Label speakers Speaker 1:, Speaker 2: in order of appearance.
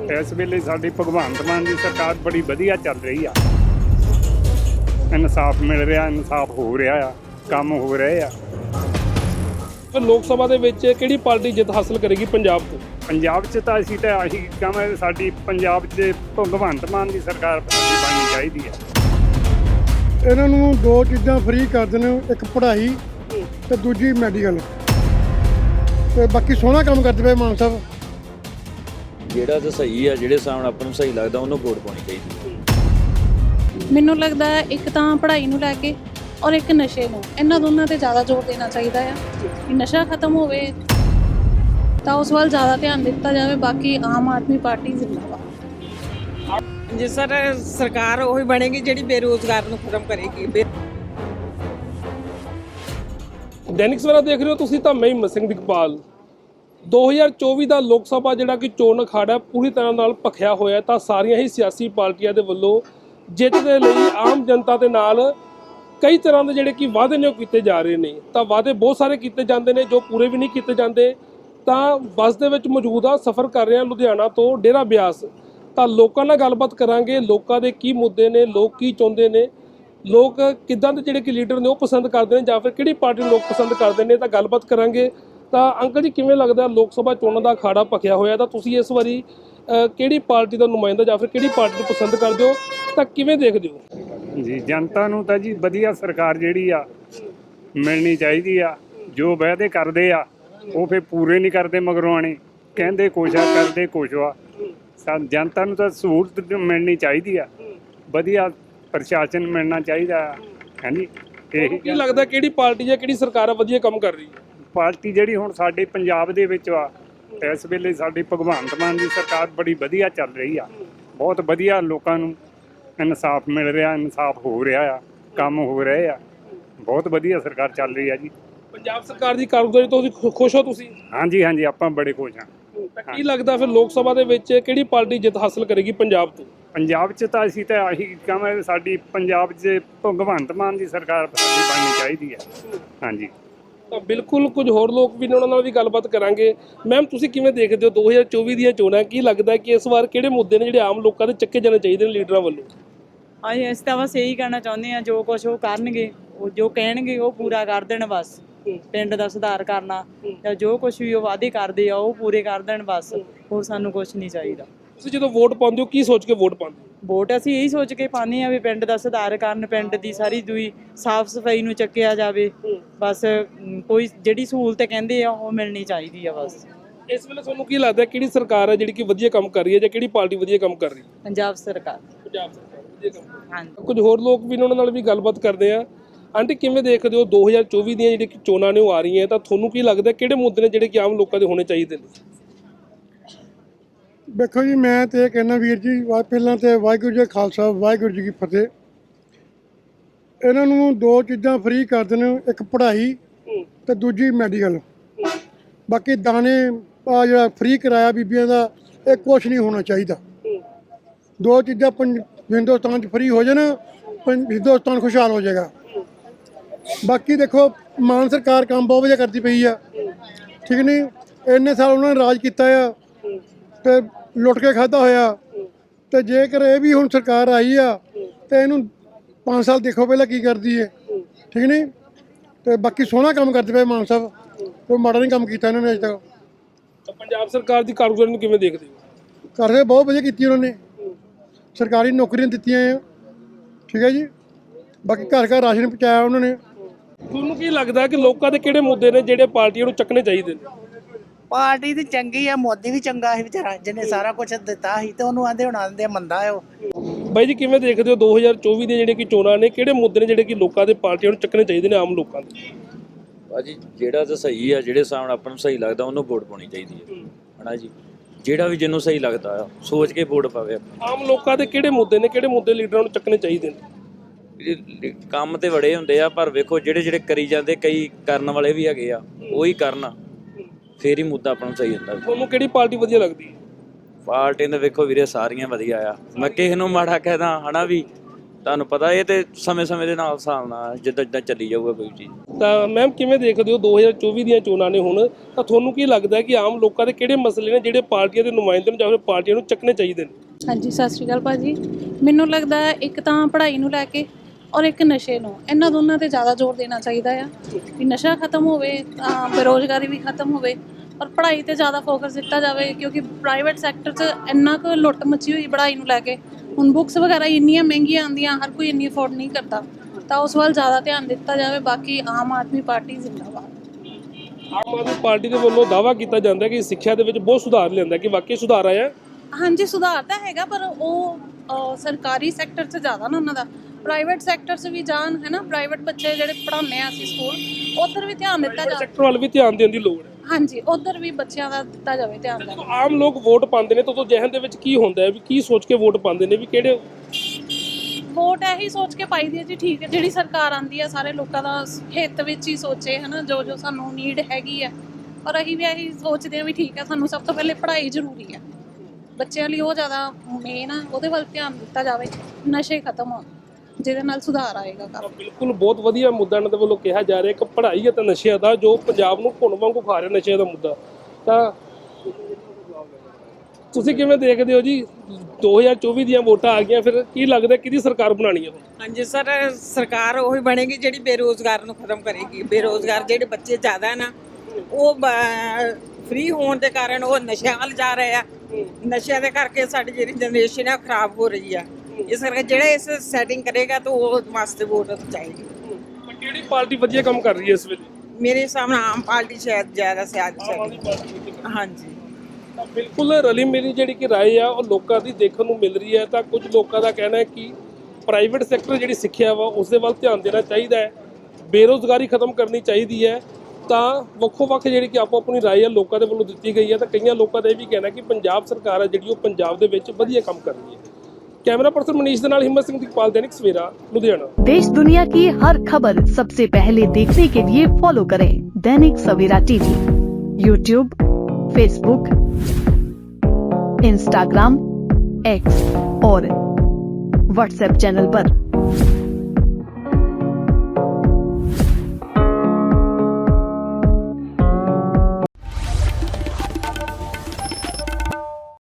Speaker 1: ਇਸ ਵੇਲੇ ਸਾਡੀ ਭਗਵੰਤ ਮਾਨ ਦੀ ਸਰਕਾਰ ਬੜੀ ਵਧੀਆ ਚੱਲ ਰਹੀ ਆ। ਇਨਸਾਫ ਮਿਲ ਰਿਹਾ, ਇਨਸਾਫ ਹੋ ਰਿਹਾ ਆ, ਕੰਮ ਹੋ ਰਹੇ ਆ।
Speaker 2: ਫਿਰ ਲੋਕ ਸਭਾ ਦੇ ਵਿੱਚ ਕਿਹੜੀ ਪਾਰਟੀ ਜਿੱਤ ਹਾਸਲ ਕਰੇਗੀ ਪੰਜਾਬ ਤੋਂ?
Speaker 1: ਪੰਜਾਬ 'ਚ ਤਾਂ ਅਸੀਂ ਤਾਂ ਆਹੀ ਕਹਾਂਗੇ, ਸਾਡੀ ਪੰਜਾਬ 'ਚ ਭਗਵੰਤ ਮਾਨ ਦੀ ਸਰਕਾਰ ਬਣਨੀ ਚਾਹੀਦੀ ਆ।
Speaker 3: ਇਹਨਾਂ ਨੂੰ ਦੋ ਚੀਜ਼ਾਂ ਫ੍ਰੀ ਕਰ ਦੇਣ, ਇੱਕ ਪੜ੍ਹਾਈ ਤੇ ਦੂਜੀ ਮੈਡੀਕਲ, ਤੇ ਬਾਕੀ ਸੋਹਣਾ ਕੰਮ ਕਰਦੇ ਪਏ ਮਾਨ ਸਾਹਿਬ।
Speaker 4: ਜਿਹੜਾ ਤਾਂ ਸਹੀ ਆ, ਜਿਹੜੇ ਹਿਸਾਬ ਨਾਲ ਆਪਾਂ ਨੂੰ ਸਹੀ ਲੱਗਦਾ ਉਹਨੂੰ ਵੋਟ ਪਾਉਣੀ ਚਾਹੀਦੀ।
Speaker 5: ਮੈਨੂੰ ਲੱਗਦਾ ਹੈ ਇੱਕ ਤਾਂ ਪੜ੍ਹਾਈ ਨੂੰ ਲੈ ਕੇ ਔਰ ਇੱਕ ਨਸ਼ੇ ਨੂੰ, ਇਹਨਾਂ ਦੋਨਾਂ ਤੇ ਜ਼ਿਆਦਾ ਜ਼ੋਰ ਦੇਣਾ ਚਾਹੀਦਾ ਆ ਕਿ ਨਸ਼ਾ ਖਤਮ ਹੋਵੇ ਤਾਂ ਉਸ ਵੱਲ ਜ਼ਿਆਦਾ ਧਿਆਨ ਦਿੱਤਾ ਜਾਵੇ। ਬਾਕੀ ਆਮ ਆਦਮੀ ਪਾਰਟੀ ਜ਼ਿੰਦਾਬਾਦ।
Speaker 6: ਜੀ ਸਰ, ਸਰਕਾਰ ਉਹੀ ਬਣੇਗੀ ਜਿਹੜੀ ਬੇਰੁਜ਼ਗਾਰ ਨੂੰ ਖਤਮ ਕਰੇਗੀ।
Speaker 2: ਦੈਨਿਕ ਸਵੇਰਾ ਦੇਖ ਰਹੇ ਹੋ ਤੁਸੀਂ ਤਾਂ ਮੈਂ ਹਿੰਮਤ ਸਿੰਘ ਦਿਗਪਾਲ। 2024 ਦਾ ਲੋਕ ਸਭਾ ਜਿਹੜਾ ਕਿ ਚੋਣ ਅਖਾੜਾ ਪੂਰੀ ਤਰ੍ਹਾਂ ਨਾਲ ਭਖਿਆ ਹੋਇਆ, ਤਾਂ ਸਾਰੀਆਂ ਹੀ ਸਿਆਸੀ ਪਾਰਟੀਆਂ ਦੇ ਵੱਲੋਂ ਜਿੱਤ ਦੇ ਲਈ ਆਮ ਜਨਤਾ ਦੇ ਨਾਲ ਕਈ ਤਰ੍ਹਾਂ ਦੇ ਜਿਹੜੇ ਕਿ ਵਾਅਦੇ ਨੇ ਉਹ ਕੀਤੇ ਜਾ ਰਹੇ ਨੇ। ਤਾਂ ਵਾਅਦੇ ਬਹੁਤ ਸਾਰੇ ਕੀਤੇ ਜਾਂਦੇ ਨੇ ਜੋ ਪੂਰੇ ਵੀ ਨਹੀਂ ਕੀਤੇ ਜਾਂਦੇ। ਤਾਂ ਬੱਸ ਦੇ ਵਿੱਚ ਮੌਜੂਦ ਆ, ਸਫ਼ਰ ਕਰ ਰਹੇ ਹਾਂ ਲੁਧਿਆਣਾ ਤੋਂ ਡੇਰਾ ਬਿਆਸ। ਤਾਂ ਲੋਕਾਂ ਨਾਲ ਗੱਲਬਾਤ ਕਰਾਂਗੇ, ਲੋਕਾਂ ਦੇ ਕੀ ਮੁੱਦੇ ਨੇ, ਲੋਕ ਕੀ ਚਾਹੁੰਦੇ ਨੇ, ਲੋਕ ਕਿੱਦਾਂ ਦੇ ਜਿਹੜੇ ਕਿ ਲੀਡਰ ਨੇ ਉਹ ਪਸੰਦ ਕਰਦੇ ਨੇ ਜਾਂ ਫਿਰ ਕਿਹੜੀ ਪਾਰਟੀ ਨੂੰ ਲੋਕ ਪਸੰਦ ਕਰਦੇ ਨੇ। ਤਾਂ ਗੱਲਬਾਤ ਕਰਾਂਗੇ। ਤਾਂ ਅੰਕਲ ਜੀ, ਕਿਵੇਂ ਲੱਗਦਾ ਲੋਕ ਸਭਾ ਚੋਣਾਂ ਦਾ ਅਖਾੜਾ ਭਖਿਆ ਹੋਇਆ, ਤਾਂ ਤੁਸੀਂ ਇਸ ਵਾਰੀ ਕਿਹੜੀ ਪਾਰਟੀ ਦਾ ਨੁਮਾਇੰਦਾ ਜਾਂ ਫਿਰ ਕਿਹੜੀ ਪਾਰਟੀ ਨੂੰ ਪਸੰਦ ਕਰਦੇ ਹੋ, ਤਾਂ ਕਿਵੇਂ ਦੇਖਦੇ ਹੋ?
Speaker 1: ਜੀ, ਜਨਤਾ ਨੂੰ ਤਾਂ ਜੀ ਵਧੀਆ ਸਰਕਾਰ ਜਿਹੜੀ ਆ ਮਿਲਣੀ ਚਾਹੀਦੀ ਆ। ਜੋ ਵਾਅਦੇ ਕਰਦੇ ਆ ਉਹ ਫਿਰ ਪੂਰੇ ਨਹੀਂ ਕਰਦੇ, ਮਗਰੋਂ ਆਣੇ ਕਹਿੰਦੇ ਕੁਛ ਆ ਕਰਦੇ ਕੁਛ ਆ। ਜਨਤਾ ਨੂੰ ਤਾਂ ਸਹੂਲਤ ਮਿਲਣੀ ਚਾਹੀਦੀ ਆ, ਵਧੀਆ ਪ੍ਰਸ਼ਾਸਨ ਮਿਲਣਾ ਚਾਹੀਦਾ। ਹਾਂਜੀ, ਇਹ
Speaker 2: ਕੀ ਲੱਗਦਾ ਕਿਹੜੀ ਪਾਰਟੀ ਜਾਂ ਕਿਹੜੀ ਸਰਕਾਰ ਆ ਵਧੀਆ ਕੰਮ ਕਰ ਰਹੀ ਹੈ?
Speaker 1: ਪਾਰਟੀ ਜਿਹੜੀ ਹੁਣ ਸਾਡੇ ਪੰਜਾਬ ਦੇ ਵਿੱਚ ਆ, ਇਸ ਵੇਲੇ ਸਾਡੀ ਭਗਵੰਤ ਮਾਨ ਦੀ ਸਰਕਾਰ ਬੜੀ ਵਧੀਆ ਚੱਲ ਰਹੀ ਆ। ਬਹੁਤ ਵਧੀਆ ਲੋਕਾਂ ਨੂੰ ਇਨਸਾਫ ਮਿਲ ਰਿਹਾ, ਇਨਸਾਫ ਹੋ ਰਿਹਾ ਆ, ਕੰਮ ਹੋ ਰਹੇ ਆ। ਬਹੁਤ ਵਧੀਆ ਸਰਕਾਰ ਚੱਲ ਰਹੀ ਆ ਜੀ।
Speaker 2: ਪੰਜਾਬ ਸਰਕਾਰ ਦੀ ਕਾਰਗੁਜ਼ਾਰੀ ਤੋਂ ਤੁਸੀਂ ਖੁਸ਼ ਹੋ ਤੁਸੀਂ?
Speaker 1: ਹਾਂਜੀ ਹਾਂਜੀ, ਆਪਾਂ ਬੜੇ ਖੁਸ਼ ਹਾਂ।
Speaker 2: ਤਾਂ ਕੀ ਲੱਗਦਾ ਫਿਰ ਲੋਕ ਸਭਾ ਦੇ ਵਿੱਚ ਕਿਹੜੀ ਪਾਰਟੀ ਜਿੱਤ ਹਾਸਲ ਕਰੇਗੀ ਪੰਜਾਬ ਤੋਂ?
Speaker 1: ਪੰਜਾਬ 'ਚ ਤਾਂ ਅਸੀਂ ਤਾਂ ਆਹੀ ਕਹਾਂਗੇ, ਸਾਡੀ ਪੰਜਾਬ 'ਚ ਭਗਵੰਤ ਮਾਨ ਦੀ ਸਰਕਾਰ ਬਣਨੀ ਚਾਹੀਦੀ ਆ। ਹਾਂਜੀ,
Speaker 2: ਤਾਂ ਬਿਲਕੁਲ ਕੁਝ ਹੋਰ ਲੋਕ ਵੀ ਨੇ, ਉਹਨਾਂ ਨਾਲ ਵੀ ਗੱਲਬਾਤ ਕਰਾਂਗੇ। ਮੈਮ, ਤੁਸੀਂ ਕਿਵੇਂ ਦੇਖਦੇ ਹੋ 2024 ਦੀਆਂ ਚੋਣਾਂ? ਕੀ ਲੱਗਦਾ ਕਿ ਇਸ ਵਾਰ ਕਿਹੜੇ ਮੁੱਦੇ ਨੇ ਜਿਹੜੇ ਆਮ ਲੋਕਾਂ ਦੇ ਚੱਕੇ ਜਾਣੇ ਚਾਹੀਦੇ ਨੇ ਲੀਡਰਾਂ ਵੱਲੋਂ?
Speaker 6: ਹਾਂਜੀ, ਅਸੀਂ ਤਾਂ ਬਸ ਇਹੀ ਕਹਿਣਾ ਚਾਹੁੰਦੇ ਹਾਂ, ਜੋ ਕੁਛ ਉਹ ਕਰਨਗੇ, ਉਹ ਜੋ ਕਹਿਣਗੇ ਉਹ ਪੂਰਾ ਕਰ ਦੇਣ। ਬਸ ਪਿੰਡ ਦਾ ਸੁਧਾਰ ਕਰਨਾ ਜਾਂ ਜੋ ਕੁਛ ਵੀ ਉਹ ਵਾਅਦੇ ਕਰਦੇ ਆ ਉਹ ਪੂਰੇ ਕਰ ਦੇਣ। ਬਸ ਹੋਰ ਸਾਨੂੰ ਕੁਛ ਨਹੀਂ ਚਾਹੀਦਾ।
Speaker 2: ਤੁਸੀਂ ਜਦੋਂ ਵੋਟ ਪਾਉਂਦੇ ਹੋ ਕੀ ਸੋਚ ਕੇ ਵੋਟ ਪਾਉਂਦੇ ਹੋ?
Speaker 6: ਵੋਟ ਅਸੀਂ ਇਹੀ ਸੋਚ ਕੇ ਪਾਉਂਦੇ ਹਾਂ ਵੀ ਪਿੰਡ ਦਾ ਸੁਧਾਰ ਕਰਨ, ਪਿੰਡ ਦੀ ਸਾਰੀ ਦੂਈ ਸਾਫ਼ ਸਫਾਈ ਨੂੰ ਚੱਕਿਆ ਜਾਵੇ। ਬਸ ਕੋਈ ਜਿਹੜੀ ਸਹੂਲਤ ਕਹਿੰਦੇ ਆ ਉਹ ਮਿਲਣੀ ਚਾਹੀਦੀ ਆ। ਬਸ
Speaker 2: ਇਸ ਵੇਲੇ ਤੁਹਾਨੂੰ ਕੀ ਲੱਗਦਾ ਕਿਹੜੀ ਸਰਕਾਰ ਹੈ ਜਿਹੜੀ ਕਿ ਵਧੀਆ ਕੰਮ ਕਰ ਰਹੀ ਹੈ ਜਾਂ ਕਿਹੜੀ ਪਾਰਟੀ ਵਧੀਆ ਕੰਮ ਕਰ ਰਹੀ ਹੈ?
Speaker 6: ਪੰਜਾਬ ਸਰਕਾਰ।
Speaker 2: ਪੰਜਾਬ ਸਰਕਾਰ ਵਧੀਆ ਕੰਮ ਕਰ ਰਹੀ ਹੈ।
Speaker 6: ਹਾਂਜੀ,
Speaker 2: ਕੁਝ ਹੋਰ ਲੋਕ ਵੀ ਨੇ, ਉਹਨਾਂ ਨਾਲ ਵੀ ਗੱਲਬਾਤ ਕਰਦੇ ਆ। ਆਂਟੀ, ਕਿਵੇਂ ਦੇਖਦੇ ਹੋ 2024 ਦੀਆਂ ਜਿਹੜੀ ਚੋਣਾਂ ਨੇ ਉਹ ਆ ਰਹੀਆਂ, ਤਾਂ ਤੁਹਾਨੂੰ ਕੀ ਲੱਗਦਾ ਕਿਹੜੇ ਮੁੱਦੇ ਨੇ ਜਿਹੜੇ ਕਿ ਆਮ ਲੋਕਾਂ ਦੇ ਹੋਣੇ ਚਾਹੀਦੇ ਨੇ?
Speaker 3: ਦੇਖੋ ਜੀ, ਮੈਂ ਤੇ ਇਹ ਕਹਿਣਾ ਵੀਰ ਜੀ, ਪਹਿਲਾਂ ਤੇ ਵਾਹਿਗੁਰੂ ਜੀ ਕਾ ਖਾਲਸਾ, ਵਾਹਿਗੁਰੂ ਜੀ ਕੀ ਫਤਿਹ। ਇਹਨਾਂ ਨੂੰ ਦੋ ਚੀਜ਼ਾਂ ਫ੍ਰੀ ਕਰ ਦੇਣ, ਇੱਕ ਪੜ੍ਹਾਈ ਤੇ ਦੂਜੀ ਮੈਡੀਕਲ। ਬਾਕੀ ਦਾਣੇ ਆ ਜਿਹੜਾ ਫ੍ਰੀ ਕਰਾਇਆ ਬੀਬੀਆਂ ਦਾ, ਇਹ ਕੁਛ ਨਹੀਂ ਹੋਣਾ ਚਾਹੀਦਾ। ਦੋ ਚੀਜ਼ਾਂ ਹਿੰਦੁਸਤਾਨ 'ਚ ਫ੍ਰੀ ਹੋ ਜਾਣ, ਹਿੰਦੁਸਤਾਨ ਖੁਸ਼ਹਾਲ ਹੋ ਜਾਏਗਾ। ਬਾਕੀ ਦੇਖੋ, ਮਾਨ ਸਰਕਾਰ ਕੰਮ ਬਹੁਤ ਵਧੀਆ ਕਰਦੀ ਪਈ ਆ, ਠੀਕ ਨਹੀਂ? ਇੰਨੇ ਸਾਲ ਉਹਨਾਂ ਨੇ ਰਾਜ ਕੀਤਾ ਆ ਤੇ ਲੁੱਟ ਕੇ ਖਾਧਾ ਹੋਇਆ। ਤੇ ਜੇਕਰ ਇਹ ਵੀ ਹੁਣ ਸਰਕਾਰ ਆਈ ਆ ਤੇ ਇਹਨੂੰ 5 ਸਾਲ ਦੇਖੋ ਪਹਿਲਾਂ ਕੀ ਕਰਦੀ ਹੈ, ਠੀਕ ਨਹੀਂ? ਤੇ ਬਾਕੀ ਸੋਹਣਾ ਕੰਮ ਕਰਦੇ ਪਏ ਮਾਨ ਸਾਹਿਬ, ਕੋਈ ਮਾੜਾ ਨਹੀਂ ਕੰਮ ਕੀਤਾ ਇਹਨਾਂ ਨੇ ਅਜੇ ਤੱਕ।
Speaker 2: ਤਾਂ ਪੰਜਾਬ ਸਰਕਾਰ ਦੀ ਕਾਰਗੁਜ਼ਾਰੀ ਨੂੰ ਕਿਵੇਂ ਦੇਖਦੇ ਹੋ?
Speaker 3: ਕਰਦੇ ਬਹੁਤ ਵਧੀਆ ਕੀਤੀ ਉਹਨਾਂ ਨੇ, ਸਰਕਾਰੀ ਨੌਕਰੀਆਂ ਦਿੱਤੀਆਂ ਆ, ਠੀਕ ਹੈ ਜੀ। ਬਾਕੀ ਘਰ ਘਰ ਰਾਸ਼ਨ ਪਹੁੰਚਾਇਆ ਉਹਨਾਂ ਨੇ।
Speaker 2: ਤੁਹਾਨੂੰ ਕੀ ਲੱਗਦਾ ਕਿ ਲੋਕਾਂ ਦੇ ਕਿਹੜੇ ਮੁੱਦੇ ਨੇ ਜਿਹੜੇ ਪਾਰਟੀਆਂ ਨੂੰ ਚੱਕਣੇ ਚਾਹੀਦੇ ਨੇ?
Speaker 7: ਪਾਰਟੀ ਤੇ ਚੰਗੀ ਆ, ਮੋਦੀ ਵੀ ਚੰਗਾ ਸੀ ਵਿਚਾਰਾ, ਜਿਹਨੇ ਸਾਰਾ ਕੁਝ ਦਿੱਤਾ ਸੀ ਤੇ ਉਹਨੂੰ ਆਂਦੇ ਹੁਣ ਆਂਦੇ ਮੰਦਾ ਹੈ ਉਹ।
Speaker 2: ਬਾਈ ਜੀ, ਕਿਵੇਂ ਦੇਖਦੇ ਹੋ 2024 ਦੇ ਜਿਹੜੇ ਕਿ ਚੋਣਾਂ ਨੇ, ਕਿਹੜੇ ਮੁੱਦੇ ਨੇ ਜਿਹੜੇ ਕਿ ਲੋਕਾਂ ਦੇ ਪਾਰਟੀਆਂ ਨੂੰ ਚੱਕਣੇ ਚਾਹੀਦੇ ਨੇ, ਆਮ ਲੋਕਾਂ ਦੇ?
Speaker 4: ਭਾਜੀ, ਜਿਹੜਾ ਤਾਂ ਸਹੀ ਆ, ਜਿਹੜੇ ਹਿਸਾਬ ਨਾਲ ਆਪਾਂ ਨੂੰ ਸਹੀ ਲੱਗਦਾ ਉਹਨੂੰ ਵੋਟ ਪਾਉਣੀ ਚਾਹੀਦੀ ਹੈ। ਹਨਾ ਜੀ, ਜਿਹੜਾ ਵੀ ਜਿਹਨੂੰ ਸਹੀ ਲੱਗਦਾ ਆ ਸੋਚ ਕੇ ਵੋਟ ਪਾਵੇ।
Speaker 2: ਆਮ ਲੋਕਾਂ ਦੇ ਕਿਹੜੇ ਮੁੱਦੇ ਨੇ, ਕਿਹੜੇ ਮੁੱਦੇ ਲੀਡਰਾਂ ਨੂੰ ਚੱਕਣੇ ਚਾਹੀਦੇ ਨੇ?
Speaker 4: ਕੰਮ ਤੇ ਬੜੇ ਹੁੰਦੇ ਆ, ਪਰ ਵੇਖੋ ਜਿਹੜੇ ਕਰੀ ਜਾਂਦੇ, ਕਈ ਕਰਨ ਵਾਲੇ ਵੀ ਹੈਗੇ ਆ, ਉਹੀ ਕਰਨ, ਫੇਰ ਹੀ ਮੁੱਦਾ ਆਪਾਂ ਨੂੰ ਸਹੀ ਹੁੰਦਾ।
Speaker 2: ਤੁਹਾਨੂੰ ਕਿਹੜੀ ਪਾਰਟੀ ਵਧੀਆ ਲੱਗਦੀ ਹੈ?
Speaker 4: ਪਾਰਟੀ ਨੇ ਵੇਖੋ ਵੀਰੇ ਸਾਰੀਆਂ ਵਧੀਆ ਆ, ਮੈਂ ਕਿਸੇ ਨੂੰ ਮਾੜਾ ਕਹਿਦਾ ਹਨਾ ਵੀ ਤੁਹਾਨੂੰ ਪਤਾ ਇਹ ਤੇ ਸਮੇਂ-ਸਮੇਂ ਦੇ ਨਾਲ ਹਿਸਾਬ ਨਾਲ ਜਿੱਦਾਂ ਚੱਲੀ ਜਾਊਗਾ ਕੋਈ ਚੀਜ਼।
Speaker 2: ਤਾਂ ਮੈਮ ਕਿਵੇਂ ਦੇਖਦੇ ਹੋ 2024 ਦੀਆਂ ਚੋਣਾਂ ਨੇ ਹੁਣ, ਤਾਂ ਤੁਹਾਨੂੰ ਕੀ ਲੱਗਦਾ ਹੈ ਕਿ ਆਮ ਲੋਕਾਂ ਦੇ ਕਿਹੜੇ ਮਸਲੇ ਨੇ ਜਿਹੜੇ ਪਾਰਟੀਆਂ ਦੇ ਨੁਮਾਇੰਦੇ ਨੂੰ ਜਾਂ ਫਿਰ ਪਾਰਟੀਆਂ ਨੂੰ ਚੱਕਣੇ ਚਾਹੀਦੇ ਨੇ?
Speaker 5: ਹਾਂਜੀ, ਸਤਿ ਸ਼੍ਰੀ ਅਕਾਲ ਭਾਜੀ। ਮੈਨੂੰ ਲੱਗਦਾ ਹੈ ਇੱਕ ਤਾਂ ਪੜ੍ਹਾਈ ਨੂੰ ਲੈ ਕੇ ਔਰ ਇੱਕ ਨਸ਼ੇ ਨੂੰ, ਇਹਨਾਂ ਦੋਨਾਂ ਤੇ ਜ਼ਿਆਦਾ ਜ਼ੋਰ ਦੇਣਾ ਚਾਹੀਦਾ ਆ ਵੀ ਨਸ਼ਾ ਖਤਮ ਹੋਵੇ, ਤਾਂ ਬੇਰੁਜ਼ਗਾਰੀ ਵੀ ਖਤਮ ਹੋਵੇ ਔਰ ਪੜ੍ਹਾਈ ਤੇ ਜ਼ਿਆਦਾ ਫੋਕਸ ਦਿੱਤਾ ਜਾਵੇ, ਕਿਉਂਕਿ ਪ੍ਰਾਈਵੇਟ ਸੈਕਟਰ 'ਚ ਇੰਨਾ ਕੁ ਲੁੱਟ ਮੱਚੀ ਹੋਈ ਪੜ੍ਹਾਈ ਨੂੰ ਲੈ ਕੇ। ਹੁਣ ਬੁੱਕਸ ਵਗੈਰਾ ਇੰਨੀਆਂ ਮਹਿੰਗੀਆਂ ਆਉਂਦੀਆਂ, ਹਰ ਕੋਈ ਇੰਨੀ ਅਫੋਰਡ ਨਹੀਂ ਕਰਦਾ, ਤਾਂ ਉਸ ਵੱਲ ਜ਼ਿਆਦਾ ਧਿਆਨ ਦਿੱਤਾ ਜਾਵੇ। ਬਾਕੀ ਆਮ ਆਦਮੀ ਪਾਰਟੀ ਜ਼ਿੰਦਾਬਾਦ।
Speaker 2: ਆਮ ਆਦਮੀ ਪਾਰਟੀ ਦੇ ਵੱਲੋਂ ਦਾਅਵਾ ਕੀਤਾ ਜਾਂਦਾ ਕਿ ਸਿੱਖਿਆ ਦੇ ਵਿੱਚ ਬਹੁਤ ਸੁਧਾਰ ਲਿਆਂਦਾ, ਕਿ ਵਾਕਈ ਸੁਧਾਰ ਆਇਆ?
Speaker 5: ਹਾਂਜੀ, ਸੁਧਾਰ ਤਾਂ ਹੈਗਾ, ਪਰ ਉਹ ਸਰਕਾਰੀ ਸੈਕਟਰ 'ਚ ਜ਼ਿਆਦਾ ਨਾ ਉਹਨਾਂ ਦਾ, ਪ੍ਰਾਈਵੇਟ ਸੈਕਟਰ 'ਚ ਵੀ ਜਾਣ, ਹੈ ਨਾ। ਪ੍ਰਾਈਵੇਟ ਬੱਚੇ ਜਿਹੜੇ ਪੜ੍ਹਾਉਂਦੇ ਆ ਅਸੀਂ ਸਕੂਲ, ਉੱਧਰ ਵੀ ਧਿਆਨ ਦਿੱਤਾ ਜਾਵੇ।
Speaker 2: ਸੈਕਟਰ ਵੱਲ ਵੀ ਧਿਆਨ ਦੇਣ ਦੀ ਲੋੜ ਹੈ।
Speaker 5: ਹਾਂਜੀ, ਉੱਧਰ ਵੀ ਬੱਚਿਆਂ ਦਾ ਦਿੱਤਾ ਜਾਵੇ ਧਿਆਨ।
Speaker 2: ਜਦੋਂ ਆਮ ਲੋਕ ਵੋਟ ਪਾਉਂਦੇ ਨੇ ਤਾਂ ਉਦੋਂ ਜ਼ਿਹਨ ਦੇ ਵਿੱਚ ਕੀ ਹੁੰਦਾ ਹੈ, ਵੀ ਕੀ ਸੋਚ ਕੇ ਵੋਟ ਪਾਉਂਦੇ ਨੇ, ਵੀ ਕਿਹੜੇ
Speaker 5: ਵੋਟ ਇਹੀ ਸੋਚ ਕੇ ਪਾਈ ਦੀ ਹੈ ਜੀ, ਠੀਕ ਹੈ ਜਿਹੜੀ ਸਰਕਾਰ ਆਉਂਦੀ ਹੈ ਸਾਰੇ ਲੋਕਾਂ ਦਾ ਹਿੱਤ ਵਿੱਚ ਹੀ ਸੋਚੇ, ਹੈ ਨਾ, ਜੋ ਸਾਨੂੰ ਨੀਡ ਹੈਗੀ ਹੈ। ਔਰ ਅਸੀਂ ਵੀ ਇਹੀ ਸੋਚਦੇ ਹਾਂ ਵੀ ਠੀਕ ਹੈ, ਸਾਨੂੰ ਸਭ ਤੋਂ ਪਹਿਲੇ ਪੜ੍ਹਾਈ ਜ਼ਰੂਰੀ ਹੈ ਬੱਚਿਆਂ ਲਈ, ਉਹ ਜ਼ਿਆਦਾ ਮੇਨ ਆ, ਉਹਦੇ ਵੱਲ ਧਿਆਨ ਦਿੱਤਾ ਜਾਵੇ। ਨਸ਼ੇ ਖਤਮ ਹੋਣ, ਜਿਹਦੇ ਨਾਲ ਸੁਧਾਰ ਆਏਗਾ ਕਾਫੀ।
Speaker 2: ਬਿਲਕੁਲ ਬਹੁਤ ਵਧੀਆ ਮੁੱਦਾ ਇਹਨਾਂ ਦੇ ਵੱਲੋਂ ਕਿਹਾ ਜਾ ਰਿਹਾ, ਇੱਕ ਪੜ੍ਹਾਈ ਅਤੇ ਨਸ਼ਿਆਂ ਦਾ, ਜੋ ਪੰਜਾਬ ਨੂੰ ਘੁਣ ਵਾਂਗੂ ਖਾ ਰਿਹਾ ਨਸ਼ਿਆਂ ਦਾ ਮੁੱਦਾ। ਤਾਂ ਤੁਸੀਂ ਕਿਵੇਂ ਦੇਖਦੇ ਹੋ ਜੀ 2024 ਦੀਆਂ ਵੋਟਾਂ ਆ ਗਈਆਂ, ਫਿਰ ਕੀ ਲੱਗਦਾ ਕਿਹਦੀ ਸਰਕਾਰ ਬਣਾਉਣੀ ਹੈ ਹੁਣ?
Speaker 8: ਹਾਂਜੀ ਸਰ, ਸਰਕਾਰ ਉਹੀ ਬਣੇਗੀ ਜਿਹੜੀ ਬੇਰੋਜ਼ਗਾਰ ਨੂੰ ਖਤਮ ਕਰੇਗੀ। ਬੇਰੋਜ਼ਗਾਰ ਜਿਹੜੇ ਬੱਚੇ ਜ਼ਿਆਦਾ ਨਾ, ਉਹ ਫ੍ਰੀ ਹੋਣ ਦੇ ਕਾਰਨ ਉਹ ਨਸ਼ਿਆਂ ਵੱਲ ਜਾ ਰਹੇ ਆ। ਨਸ਼ਿਆਂ ਦੇ ਕਰਕੇ ਸਾਡੀ ਜਿਹੜੀ ਜਨਰੇਸ਼ਨ ਆ ਖਰਾਬ ਹੋ ਰਹੀ ਆ। ਇਸ ਕਰਕੇ ਜਿਹੜਾ ਇਸ ਸੈਟਿੰਗ ਕਰੇਗਾ ਤਾਂ ਉਹ ਵਾਸਤੇ ਵੋਟ ਚਾਹੀਦੀ।
Speaker 2: ਕਿਹੜੀ ਪਾਰਟੀ ਵਧੀਆ ਕੰਮ ਕਰ ਰਹੀ ਹੈ ਇਸ ਵੇਲੇ?
Speaker 8: ਮੇਰੇ ਹਿਸਾਬ ਨਾਲ ਆਮ ਪਾਰਟੀ ਸ਼ਾਇਦ ਜ਼ਿਆਦਾ ਸਿਆਸਤ। ਹਾਂਜੀ,
Speaker 2: ਤਾਂ ਬਿਲਕੁਲ ਰਲੀ ਮਿਲੀ ਜਿਹੜੀ ਕਿ ਰਾਏ ਆ ਉਹ ਲੋਕਾਂ ਦੀ ਦੇਖਣ ਨੂੰ ਮਿਲ ਰਹੀ ਹੈ। ਤਾਂ ਕੁਝ ਲੋਕਾਂ ਦਾ ਕਹਿਣਾ ਹੈ ਕਿ ਪ੍ਰਾਈਵੇਟ ਸੈਕਟਰ ਜਿਹੜੀ ਸਿੱਖਿਆ ਵਾ ਉਸ ਦੇ ਵੱਲ ਧਿਆਨ ਦੇਣਾ ਚਾਹੀਦਾ ਹੈ, ਬੇਰੁਜ਼ਗਾਰੀ ਖਤਮ ਕਰਨੀ ਚਾਹੀਦੀ ਹੈ। ਤਾਂ ਵੱਖੋ ਵੱਖ ਜਿਹੜੀ ਕਿ ਆਪੋ ਆਪਣੀ ਰਾਏ ਆ ਲੋਕਾਂ ਦੇ ਵੱਲੋਂ ਦਿੱਤੀ ਗਈ ਹੈ। ਤਾਂ ਕਈਆਂ ਲੋਕਾਂ ਦਾ ਇਹ ਵੀ ਕਹਿਣਾ ਕਿ ਪੰਜਾਬ ਸਰਕਾਰ ਹੈ ਜਿਹੜੀ ਉਹ ਪੰਜਾਬ ਦੇ ਵਿੱਚ ਵਧੀਆ ਕੰਮ ਕਰ ਰਹੀ ਹੈ। कैमरा पर्सन मनीष के नाल हिम्मत सिंह दिखपाल, दैनिक सवेरा, लुधियाना।
Speaker 9: देश दुनिया की हर खबर सबसे पहले देखने के लिए फॉलो करें Dainik Savera TV, YouTube, Facebook, Instagram, X और व्हाट्सएप चैनल पर।